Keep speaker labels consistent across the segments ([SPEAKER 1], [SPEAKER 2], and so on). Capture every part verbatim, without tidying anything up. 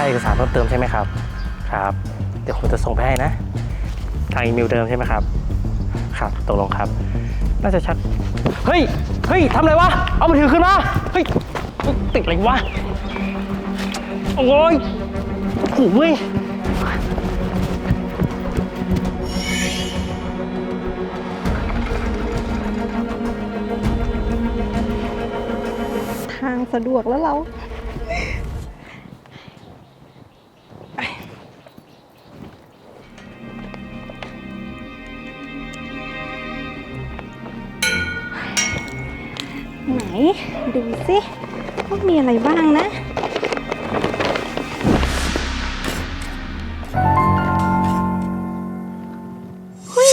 [SPEAKER 1] เอกสารเพิ่มเติมใช่ไหมครับครับเดี๋ยวผมจะส่งไปให้นะทางอีเมลเดิมใช่ไหมครับครับตกลงครับน่าจะชัดเฮ้ยเฮ้ยทำอะไรวะเอามือถือขึ้นมาเฮ้ยติดอะไรวะโอ้ยโอ้ย
[SPEAKER 2] ทางสะดวกแล้วเราไหนดูสิว่ามีอะไรบ้างนะเฮ้ย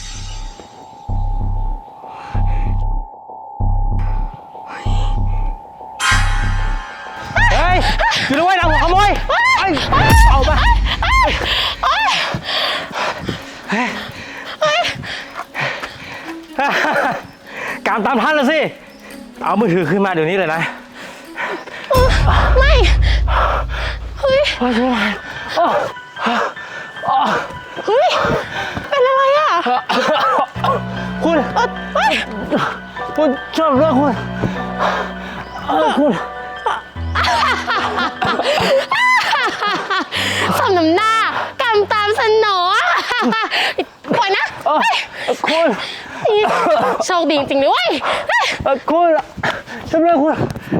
[SPEAKER 1] เฮ้ยอยู่ด้วยนะหัวขโมยไอ้เอาไปการตามทันแล้วสิเอามือถือขึ้นมาเดี๋ยวนี้เลยนะ
[SPEAKER 2] ไม่เฮ้ย
[SPEAKER 1] โอ้ยไม่ไหว
[SPEAKER 2] เฮ้ยเป็นอะไรอ่ะ
[SPEAKER 1] คุณคุณชอบเรื่องคุณคุณ
[SPEAKER 2] สมน้ำหน้ากำตามสนอปล่อยนะ
[SPEAKER 1] คุณ
[SPEAKER 2] โชคดีจริงๆเลยเว้ย
[SPEAKER 1] คุณชอบเรื่องคุณ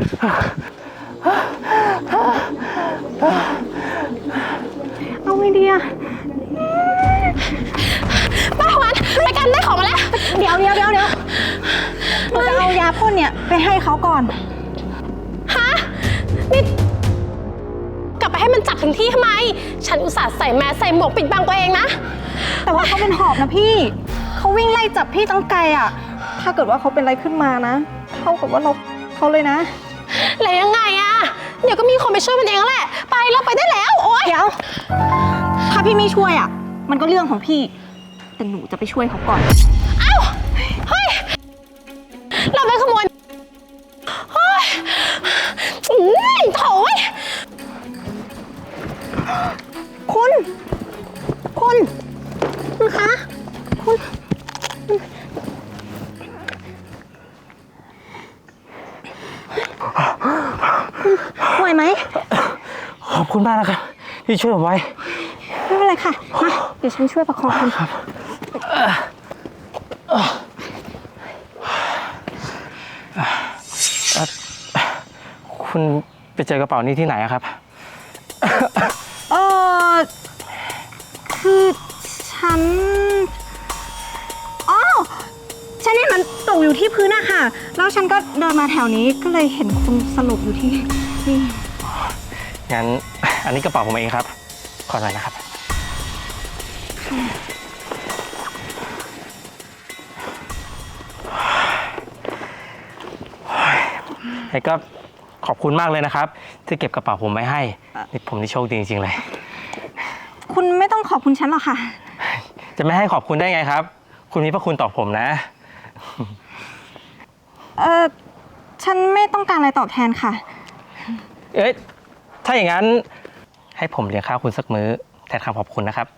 [SPEAKER 2] เอาไงดีอะป้าหวันไปกันได้ของมาแล้วเดี๋ยวเดี๋ยวเดี๋ยวเดี๋ยวเราจะเอายาพ่นเนี่ยไปให้เขาก่อนฮะนี่กลับไปให้มันจับถึงที่ทำไมฉันอุตส่าห์ใส่แมสใส่หมวกปิดบังตัวเองนะแต่ว่าเขาเป็นหอบนะพี่เขาวิ่งไล่จับพี่ตั้งไกลอะถ้าเกิดว่าเขาเป็นอะไรขึ้นมานะเท่ากับว่าเราเขาเลยนะแล้วยังไงอะเดี๋ยวก็มีคนไปช่วยมันเองแหละไปเราไปได้แล้วโอ๊ยเดี๋ยวถ้าพี่ไม่ช่วยอะมันก็เรื่องของพี่แต่หนูจะไปช่วยเขาก่อนเอ้าเฮ้ยเราไปขโมยเฮ้ยโถ่คุณคุณคุณคะคุณไหวไหม
[SPEAKER 1] ขอบคุณมากนะครับที่ช่วยผมไว้
[SPEAKER 2] ไม่เป็นไรค่ะมาเดี๋ยวฉันช่วยประคองคุณครับ
[SPEAKER 1] คุณไปเจอกระเป๋านี้ที่ไหนครับ
[SPEAKER 2] เออคือฉันอ๋อฉันเห็นมันตกอยู่ที่พื้นอะค่ะแล้วฉันก็เดินมาแถวนี้ก็เลยเห็นคุณสลบอยู่ที่นี่
[SPEAKER 1] งั้นอันนี้กระเป๋าผมเองครับขอหน่อยนะครับไอ้ก็ขอบคุณมากเลยนะครับที่เก็บกระเป๋าผมไว้ให้นี่ผมนี่โชคดีจริงๆเลย
[SPEAKER 2] คุณไม่ต้องขอบคุณฉันหรอกค่ะ
[SPEAKER 1] จะไม่ให้ขอบคุณได้ไงครับคุณมีพระคุณต่อผมนะ
[SPEAKER 2] เออฉันไม่ต้องการอะไรตอบแทนค่ะ
[SPEAKER 1] เอ๊ะถ้าอย่างนั้นให้ผมเลี้ยงข้าวคุณสักมื้อแทนคำขอบคุณนะครับ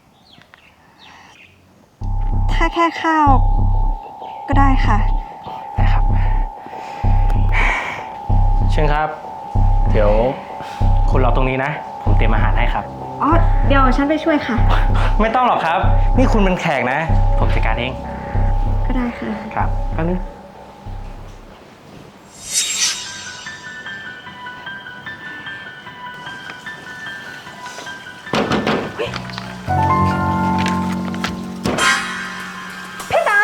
[SPEAKER 2] ถ้าแค่ข้าวก็ได้ค่ะ
[SPEAKER 1] ได้ครับเชิญครับเดี๋ยวคุณรอตรงนี้นะผมเตรียมอาหารให้ครับ
[SPEAKER 2] อ๋อเดี๋ยวฉันไปช่วยค่ะ
[SPEAKER 1] ไม่ต้องหรอกครับนี่คุณเป็นแขกนะผมจัดการเอง
[SPEAKER 2] ก็ได้ค่ะ
[SPEAKER 1] ครับแป๊บนึง
[SPEAKER 2] พี่จ๋า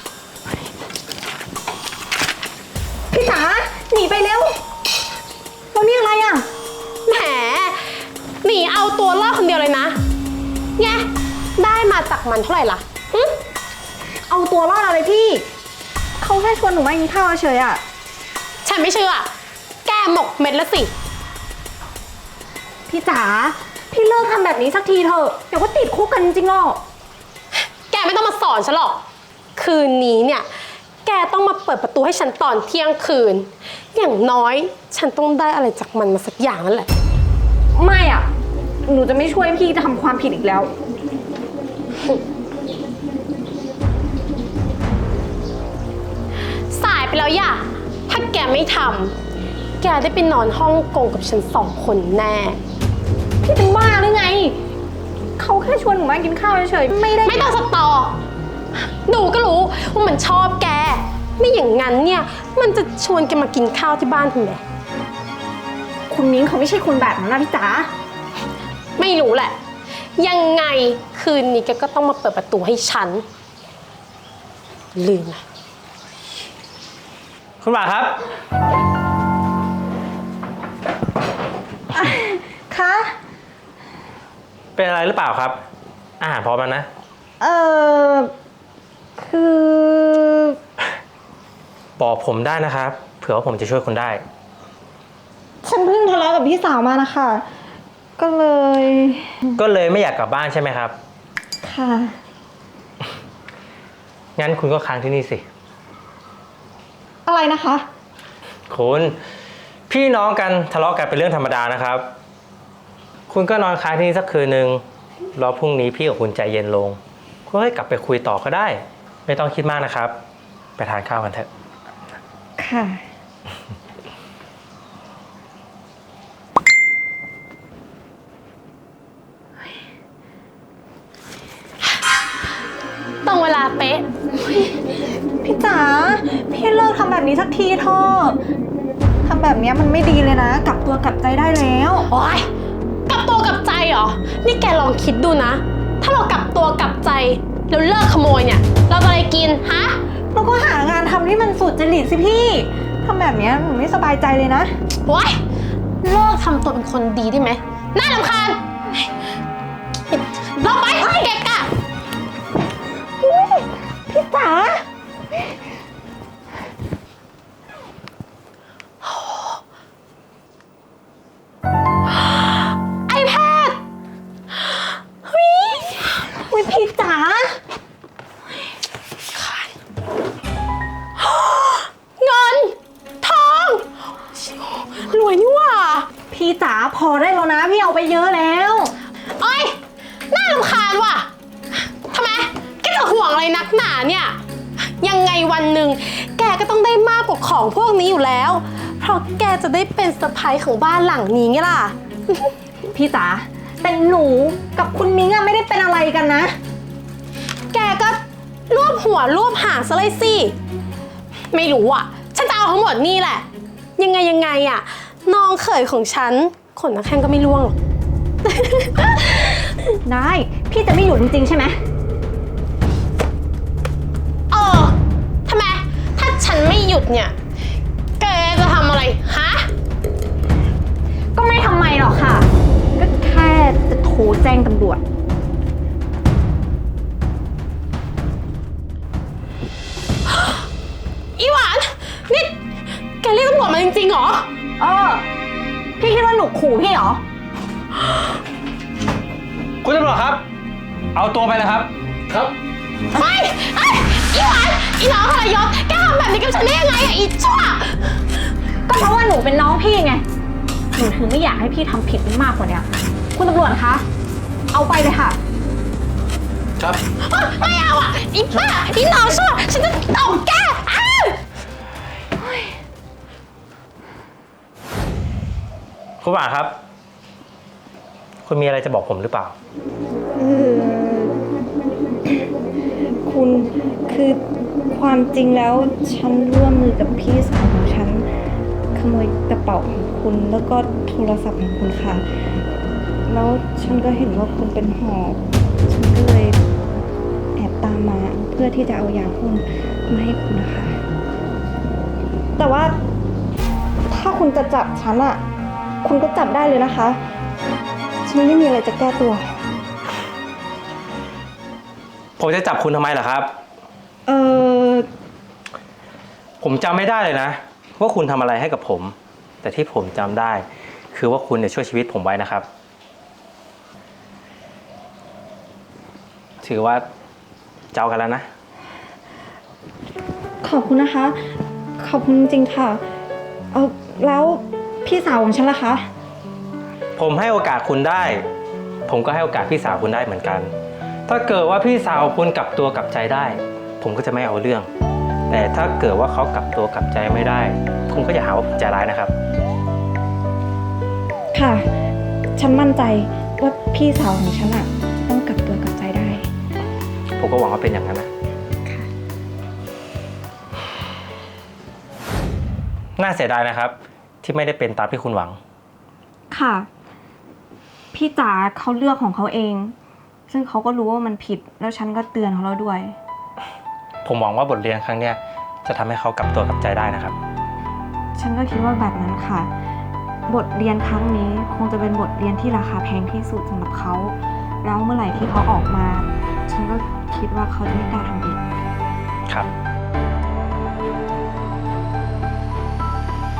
[SPEAKER 2] พี่จ๋าหนีไปเร็วแล้วนี่อะไรอ่ะแหมหนีเอาตัวรอดคนเดียวเลยนะไงได้มาจากมันเท่าไหร่ล่ะเอาตัวรอดอะไรพี่เขาแค่ชวนหนูมากินข้าวเฉยอ่ะฉันไม่เชื่อแกหมกเม็ดละสิพี่จ๋าพี่เลิกทำแบบนี้สักทีเถอะเดี๋ยวก็ติดคุกกันจริงๆหรอกแกไม่ต้องมาสอนฉันหรอกคืนนี้เนี่ยแกต้องมาเปิดประตูให้ฉันตอนเที่ยงคืนอย่างน้อยฉันต้องได้อะไรจากมันมาสักอย่างนั่นแหละ
[SPEAKER 1] โ
[SPEAKER 2] ไม่อ่ะ หนูจะไม่ช่วยพี่จะทำความผิดอีกแล้ว
[SPEAKER 3] สายไปแล้วอย่าถ้าแกไม่ทำแกได้ไปนอนห้องกงกับฉันสองคนแน่
[SPEAKER 2] พี่เป็นบ้าหรือไง เขาแค่ชวนหนูมากินข้าวเฉยๆไม่ได้
[SPEAKER 3] ไม่ต้องสตอหนูก็รู้ว่ามันชอบแก ไม่อย่างนั้นเนี่ยมันจะชวนแกมากินข้าวที่บ้านทำไม
[SPEAKER 2] คุณมิ้งเขาไม่ใช่คนแบบนั้นนะพี่จ๋า
[SPEAKER 3] ไม่รู้แหละ ยังไงคืนนี้แกก็ต้องมาเปิดประตูให้ฉัน ลืมนะ
[SPEAKER 1] คุณหมาครับ
[SPEAKER 2] คะ
[SPEAKER 1] เป็นอะไรหรือเปล่าครับ อาหารพร้อมแล้วนะ
[SPEAKER 2] เออคือ
[SPEAKER 1] บอกผมได้นะครับ เผื่อว่าผมจะช่วยคุณได้
[SPEAKER 2] ฉันเพิ่งทะเลาะกับพี่สาวมานะคะ ก็เลย
[SPEAKER 1] ก็เลยไม่อยากกลับบ้านใช่ไหมครับ
[SPEAKER 2] ค่ะ
[SPEAKER 1] งั้นคุณก็ค้างที่นี่สิ
[SPEAKER 2] อะไรนะคะ
[SPEAKER 1] คุณพี่น้องกันทะเลาะกันเป็นเรื่องธรรมดานะครับ คุณก็นอนค้างที่นี่สักคืนหนึ่งรอพรุ่งนี้พี่กับคุณใจเย็นลงคุณก็กลับไปคุยต่อก็ได้ ไม่ต้องคิดมากนะครับ ไปทานข้าวกันเถอะ
[SPEAKER 2] ค่ะ
[SPEAKER 3] ตรงเวลาเป๊ะ
[SPEAKER 2] พี่จ๋า พี่เลิกทำแบบนี้สักทีเถอะทำแบบนี้มันไม่ดีเลยนะ กลับตัวกลับใจได้แล้ว
[SPEAKER 3] โอ๊ยกลับตัวกลับใจเหรอ นี่แกลองคิดดูนะ ถ้าเรากลับตัวกลับใจแล้วเลิกขโมยเนี่ย เราจะอะไรกินฮะ
[SPEAKER 2] เราก็หางานทำที่มันสุดจริตสิพี่ทำแบบนี้หนูไม่สบายใจเลยนะ
[SPEAKER 3] โอ๊ยเลิกทำตัวเป็นคนดีได้ไหมน่ารำคาญลงไปเกะกะ
[SPEAKER 2] พี่จ๋า
[SPEAKER 3] ไอแพดเฮ้ย
[SPEAKER 2] อุ้ยพี่จ๋า
[SPEAKER 3] เงิน ทอง รวยนี่หว่า
[SPEAKER 2] พี่จ๋าพอได้แล้วนะ พี่เอาไปเยอะแล้ว
[SPEAKER 3] เอ้ย น่ารำคาญว่ะทำไม แกจะห่วงอะไรนักหนาเนี่ย ยังไงวันหนึ่งแกก็ต้องได้มากกว่าของพวกนี้อยู่แล้ว เพราะแกจะได้เป็นสะใภ้ของบ้านหลังนี้ไงล่ะ
[SPEAKER 2] พี่จ๋าแต่หนูกับคุณมิ้งอะไม่ได้เป็นอะไรกันนะ
[SPEAKER 3] แกก็รวบหัวรวบหางซะเลยสิ ไม่รู้อ่ะ ฉันจะเอาทั้งหมดนี่แหละ ยังไงยังไงอ่ะ น้องเขยของฉัน ขนนักแข้งก็ไม่ร่วงหรอก
[SPEAKER 2] ได้ พี่จะไม่อยู่จริงๆใช่ไหม
[SPEAKER 3] เออ ทำไม ถ้าฉันไม่หยุดเนี่ย แกจะทำอะไร ฮะ
[SPEAKER 2] ก็ไม่ทำไมหรอกค่ะ ก็แค่จะโทรแจ้งตำรวจ
[SPEAKER 3] อีหวาน นี่ แกเรียกตำรวจมาจริงๆเหรอ
[SPEAKER 2] เออ พี่คิดว่าหนูขู่พี่เหรอ
[SPEAKER 1] คุณตำรวจครับ เอาตัวไปเลยครับ ครับ
[SPEAKER 3] ไม่ไอ้ยอีหวาน อีน้องทรยศแกทำแบบนี้กับฉันได้ยังไงอะอีชั่ว
[SPEAKER 2] ก็เพราะว่าหนูเป็นน้องพี่ไง หนูถึงไม่อยากให้พี่ทำผิดมากกว่านี้คุณตำรวจคะ เอาไปเลยค่ะ
[SPEAKER 1] ครับ
[SPEAKER 3] ไม่เอาอ่ะ อีบ้า อีน้องชั่วฉันจะตบแกอ้าว
[SPEAKER 1] คุณหมาครับ คุณมีอะไรจะบอกผมหรือเปล่า
[SPEAKER 2] เออคุณคือความจริงแล้วฉันร่วมมือกับพี่สาวของฉัน ขโมยกระเป๋าของคุณแล้วก็โทรศัพท์ของคุณค่ะ แล้วฉันก็เห็นว่าคุณเป็นหอบฉันก็เลยแอบตามมาเพื่อที่จะเอายาพ่นมาให้คุณนะคะ แต่ว่าถ้าคุณจะจับฉันอะคุณก็จับได้เลยนะคะ ฉันไม่มีอะไรจะแก้ตัว
[SPEAKER 1] ผมจะจับคุณทำไมล่ะครับ
[SPEAKER 2] เออ
[SPEAKER 1] ผมจำไม่ได้เลยนะ ว่าคุณทำอะไรให้กับผม แต่ที่ผมจำได้ คือว่าคุณเนี่ยช่วยชีวิตผมไว้นะครับ ถือว่าเจ้ากันแล้วนะ
[SPEAKER 2] ขอบคุณนะคะ ขอบคุณจริงๆค่ะ เออแล้วพี่สาวของฉันล่ะคะ
[SPEAKER 1] ผมให้โอกาสคุณได้ ผมก็ให้โอกาสพี่สาวคุณได้เหมือนกัน ถ้าเกิดว่าพี่สาวคุณกลับตัวกลับใจได้ ผมก็จะไม่เอาเรื่อง แต่ถ้าเกิดว่าเขากลับตัวกลับใจไม่ได้ คุณก็อย่าหาว่าผมใจร้ายนะครับ
[SPEAKER 2] ค่ะ ฉันมั่นใจว่าพี่สาวของฉันอะต้องกลับตัวกลับใจได้
[SPEAKER 1] ผมก็หวังว่าเป็นอย่างนั้นนะ
[SPEAKER 2] ค่ะ
[SPEAKER 1] น่าเสียดายนะครับ ที่ไม่ได้เป็นตามที่คุณหวัง
[SPEAKER 2] ค่ะ พี่จ๋าเขาเลือกของเขาเอง ซึ่งเขาก็รู้ว่ามันผิด แล้วฉันก็เตือนเขาแล้วด้วย
[SPEAKER 1] ผมหวังว่าบทเรียนครั้งเนี้ยจะทำให้เขากลับตัวกลับใจได้นะครับ
[SPEAKER 2] ฉันก็คิดว่าแบบนั้นค่ะ บทเรียนครั้งนี้คงจะเป็นบทเรียนที่ราคาแพงที่สุดสำหรับเขา แล้วเมื่อไหร่ที่เขาออกมา ฉันก็คิดว่าเขาจะไม่กล้าทำอีก
[SPEAKER 1] ครับ